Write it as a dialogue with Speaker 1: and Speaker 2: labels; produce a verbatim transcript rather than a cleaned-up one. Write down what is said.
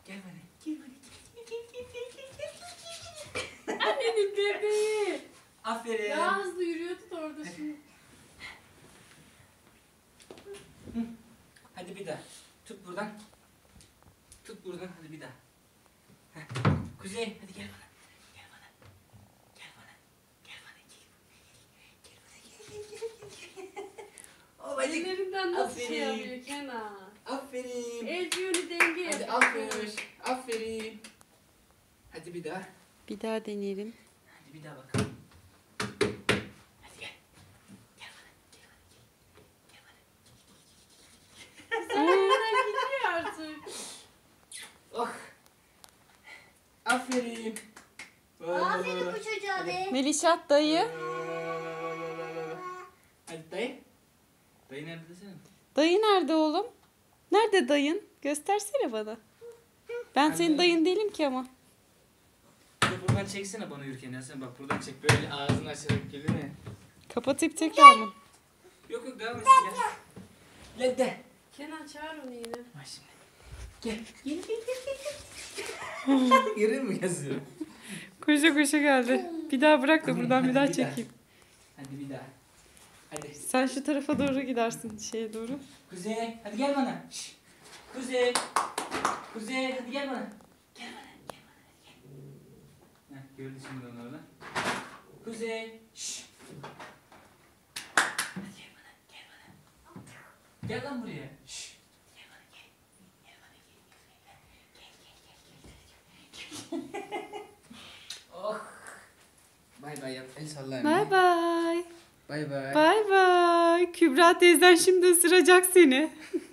Speaker 1: Gel bana. Gel bana. Gel gel gel gel gel gel.
Speaker 2: Annenin bebeği.
Speaker 1: Aferin.
Speaker 2: Daha hızlı yürüyordu da orada şimdi.
Speaker 1: Hadi bir daha. Tut buradan. Tut buradan. Hadi bir daha. Heh. Kuzey hadi gel bana. Gel bana. Gel bana. Gel bana. Gel. Gel bana. Gel gel gel gel. Babacık.
Speaker 2: Ellerinden nasıl şey
Speaker 1: Aferin.
Speaker 2: yapıyor Kenan?
Speaker 1: Aferin.
Speaker 2: El yönü denge
Speaker 1: Hadi
Speaker 2: yapıyor.
Speaker 1: aferin. Aferin. Hadi bir daha.
Speaker 3: Bir daha deneyelim.
Speaker 1: Hadi bir daha bakalım. Hadi gel. Gel bana. Gel bana. Gel. Gel bana.
Speaker 2: Senden gidiyor artık.
Speaker 1: Oh. Aferin.
Speaker 4: Aferin bu çocuğa be.
Speaker 3: Melişat dayı.
Speaker 1: Hadi dayı. Dayı nerede desene.
Speaker 3: Dayı nerede oğlum? Nerede dayın? Göstersene bana. Ben senin
Speaker 1: Anne.
Speaker 3: dayın değilim ki ama.
Speaker 1: Bir de buradan çeksene bana yürürken ya. Sen bak buradan çek. Böyle ağzını açarak geliyor ya.
Speaker 3: Kapatıp tekrar mı?
Speaker 1: Yok yok devam etsin gel. Gel de.
Speaker 2: Kenan çağır onu yine.
Speaker 1: Bak şimdi. Gel. Gel gel gel gel. Görüyor musun yazıyor?
Speaker 3: Koşa koşa geldi. Bir daha bırak da buradan bir daha çekeyim.
Speaker 1: Hadi bir daha. Hadi.
Speaker 3: Sen şu tarafa doğru gidersin şeye doğru.
Speaker 1: Kuzey hadi gel bana. Şş. Kuzey. Kuzey hadi gel bana. Gel bana. Gel bana. Gel. Heh, gördü şimdi onu orada. Kuzey. Şş. Hadi gel bana. Gel bana. Gel lan buraya. Şş. Gel bana gel. Gel bana gel. Gel gel gel gel. Gel gel. Oh. Bay bay yap. El salla anne.
Speaker 3: Bay bay.
Speaker 1: Bay bay.
Speaker 3: Bay bay. Kübra teyzen şimdi ısıracak seni.